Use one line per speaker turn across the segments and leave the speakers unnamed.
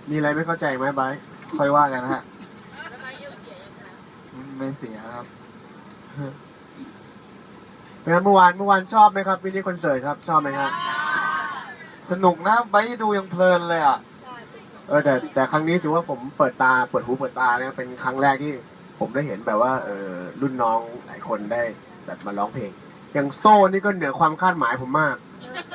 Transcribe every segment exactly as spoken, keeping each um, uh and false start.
มีอะไรไม่เข้าใจไหมไบร์ท
ค่อยว่ากันนะฮะไม่เสียครับ
เป็นไงเมื่อวานเมื่อวานชอบไหมครับมินิคอนเสิร์ตครับชอบไหมครับ
สนุกนะไปดูยังเพลินเลยอ่ะ
เออแต่แต่ครั้งนี้ถือว่าผมเปิดตาเปิดหูเปิดตาเนี่ยเป็นครั้งแรกที่ผมได้เห็นแบบว่าเออรุ่นน้องหลายคนได้แบบมาร้องเพลงอย่างโซ่นี่ก็เหนือความคาดหมายผมมาก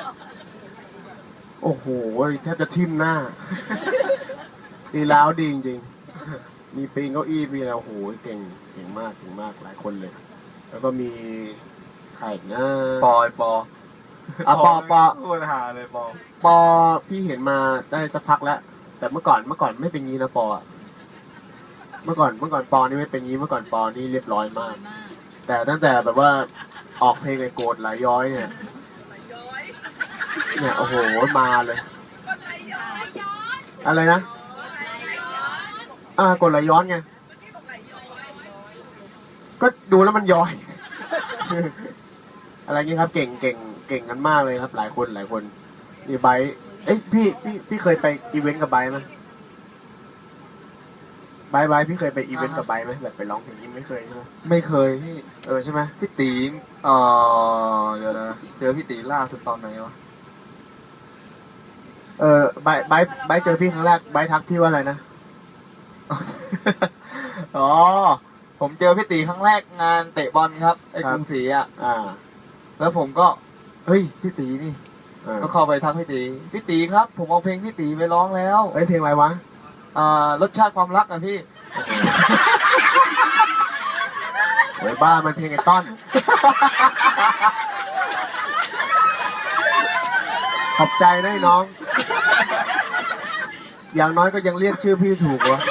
โอ้โหแทบจะทิ่มหน้า ดีแล้วดีจริงๆมีปีนเก้าอี้มีอะไรโอ้โหเก่งเก่งมากเก่งมากหลายคนเลย แล้วก็มีใครอีกนะ
ปอยปอ
อ่ะปอปอ
พูดหาเลยปอ
ปอพี่เห็นมาได้สักพักแล้ว แต่เมื่อก่อนเมื่อก่อนไม่เป็นงี้นะปออะเมื่อก่อนเมื่อก่อนปอนี่ไม่เป็นงี้เมื่อก่อนปอนี่เรียบร้อยมาก แต่ตั้งแต่แบบว่าออกเพลงไอ้โกรธไหลย้อยเนี่ยเนี่ยโอ้โหมาเลย อะไรนะอ่ากดไหลย้อนไงก็ดูแล้วมันย้อย อะไรเงี้ยครับ เก่งเก่งเก่งกันมากเลยครับ หลายคนหลายคนนี่ไบร์ทเอ้ยพี่พี่พี่เคยไปอีเวนต์กับไบร์ทไหมไบร์ทไบร์ทพี่เคยไปอีเวนต์กับไบร์ทไหมแบบไปร้องเพลงนี้ไม่เคยใช่ไหม
ไม่เคยพี่
เออใช่ไหม
พี่ตีเอ่อเดี๋ยวนะเจอพี่ตีล่าสุดตอนไหนวะ
เออไบร์ทไบร์ทไบร์ทเจอพี่ครั้งแรกไบร์ททักพี่ว่าอะไรนะ
อ๋อผมเจอพี่ตีครั้งแรกงานเตะบอลครับไอ้
ครั
ก
บ
รุงศรีอ่ะ
อ่า
แล้วผมก็เฮ้ยพี่ตีนี่
อ่า
ก็เข้าไปทักพี่ตีพี่ตีครับ ผมเอาเพลงพี่ตีไปร้องแล้ว
เอ้ยเพลงอะไรวะ
อ่ารสชาติความรักอ่ะพี่
โอ้ยบ้ามันเพลงไอ้ต้อน ขอบใจนะไอ้น้อง อย่างน้อยก็ยังเรียกชื่อพี่ถูกวะ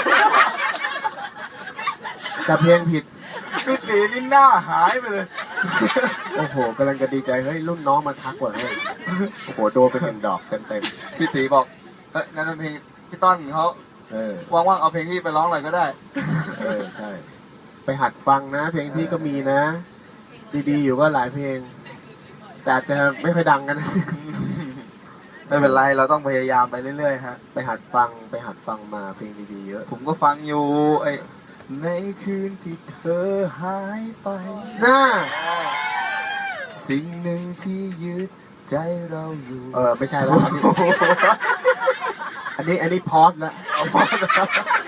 แต่เพลงผิด
พี่ตีนี่หน้าหายไปเลย
โอ้โหกำลังจะดีใจเฮ้ยรุ่นน้องมาทักว่ะเฮ้ยโอ้โหโดนไปเป็นดอกเต็มเต็ม
พี่ตีบอกเอ้ยนั่นเป็นเพลงพี่ต้นเขา
ๆเออ
ว่างๆเอาเพลงพี่ไปร้องหน่อยก็ได้
เออใช่ ไปหัดฟังนะ เพลงพี่ก็มีนะ ดีๆอยู่ก็หลายเพลง แต่อาจจะไม่ค่อยดังกันนะ
ไม่เป็นไรเราต้องพยายามไปเรื่อยๆฮะ
ไปหัดฟังไปหัดฟังมาเพลงดีๆเยอะ
ผมก็ฟังอยู่ไอ้ในคืนที่เธอหายไป
หน้า
สิ่งหนึ่งที่ยึดใจเราอยู่
เออไม่ใช่แล้วอันนี้ อันนี้อันนี้พอดแล้ว
เอาพอแล้ว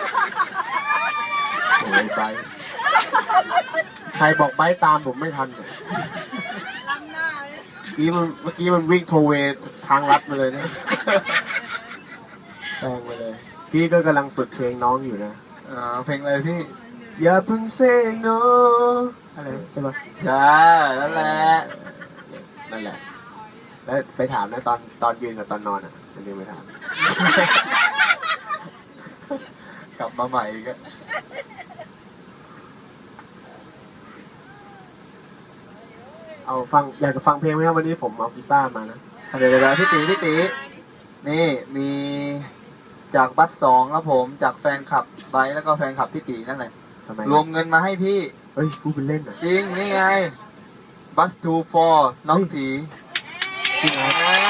โอ้ยไปใครบอกไปตามผมไม่ทันเลยเมื่อกี้มันเมื่อกี้มันวิ่งโทเวทางลัดมาเลยนะแปลงไปเลย พี่ก็กำลังฝึกเพลงน้องอยู่นะ
อ่าเพลงอะไรพี่
อย่าเพิ่งเซโนอะไรใช่ปะ
ใช่นั่นแหละ
นั่นแหละ แล้วไปถามนะตอนตอนยืนกับตอนนอนอ่ะมันยังไปถาม
กลับมาใหม่อีกอะ
เอาฟังอยากจะฟังเพลงไหมครับวันนี้ผมเอากีตาร์มานะ
เดี๋ยวเดี๋ยวพี่ตีพี่ตีนี่มีจากบัสสองครับผมจากแฟนคลับไบร์ทแล้วก็แฟนคลับพี่ตีนั่นแหละ
ทำไม
รวมเงินมาให้พี่
เฮ้ยพูดเป็นเล่นเหรอ
จริงนี่ไงบัสทูฟอร์น้องตี
จริงเหรอ
อ่า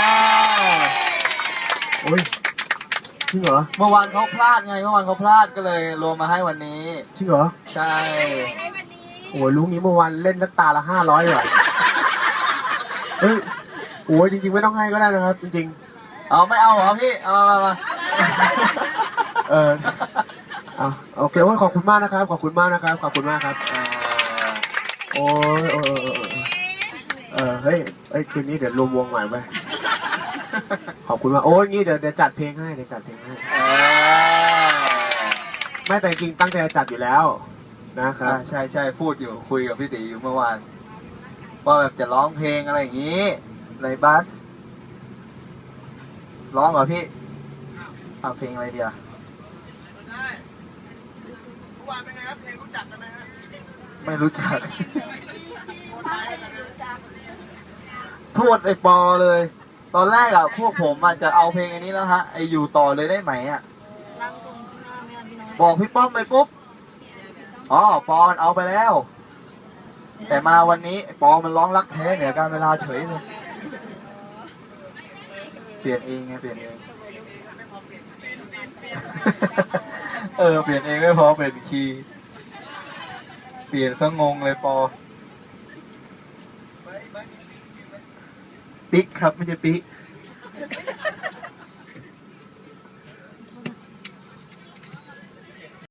โอ้ยจริงเหรอ
เมื่อวานเขาพลาดไงเมื่อวานเขาพลาดก็เลยรวมมาให้วันนี้
จริงเหรอ
ใช่
โอ้ยรู้งี้เมื่อวานเล่นสักตาละห้าร้อยว่ะเฮ้ยโอ้ยจริงๆไม่ต้องให้ก็ได้นะครับ จริง
เอาไม่เอาเหรอพี่เอามามา
ๆ เออเอาโอเคโอ้ยขอบคุณมากนะครับ ขอบคุณมากนะครับ ขอบคุณมากครับ
อ่า
โอ้ยโอ้ยโอ้ยโอ้ยโอ้ยเออเฮ้ยเอ้ยคืนนี้เดี๋ยวรวมวงใหม่ไปขอบคุณมากโอ้ยงี้เดี๋ยวเดี๋ยวจัดเพลงให้เดี๋ยวจัดเพลงให้
อ่า
ไม่แต่จริงๆตั้งใจจะจัดอยู่แล้วนะครับ
อ่าใช่ใช่พูดอยู่คุยกับพี่ตีอยู่เมื่อวานว่าแบบจะร้องเพลงอะไรอย่างนี้ในบัสร้องเหรอพี่เอาเพลงอะไรเดียวไม่รู้จัก โทษไอ้ปอเลย ตอนแรกอะพวกผมอะจะเอาเพลงอันนี้แล้วฮะไออยู่ต่อเลยได้ไหมอะบอกพี่ป้อมไปปุ๊บอ๋อปอมันเอาไปแล้ว แต่มาวันนี้ปอมันร้องรักแท้เหนือการเวลาเฉยเลยเปลี่ยนเองไงเปลี่ยนเองเออเปลี่ยนเองไม่พอเปลี่ยนคีย์เปลี่ยนซะงงเลยปอปิ๊กครับไม่ใช่ปิ๊ก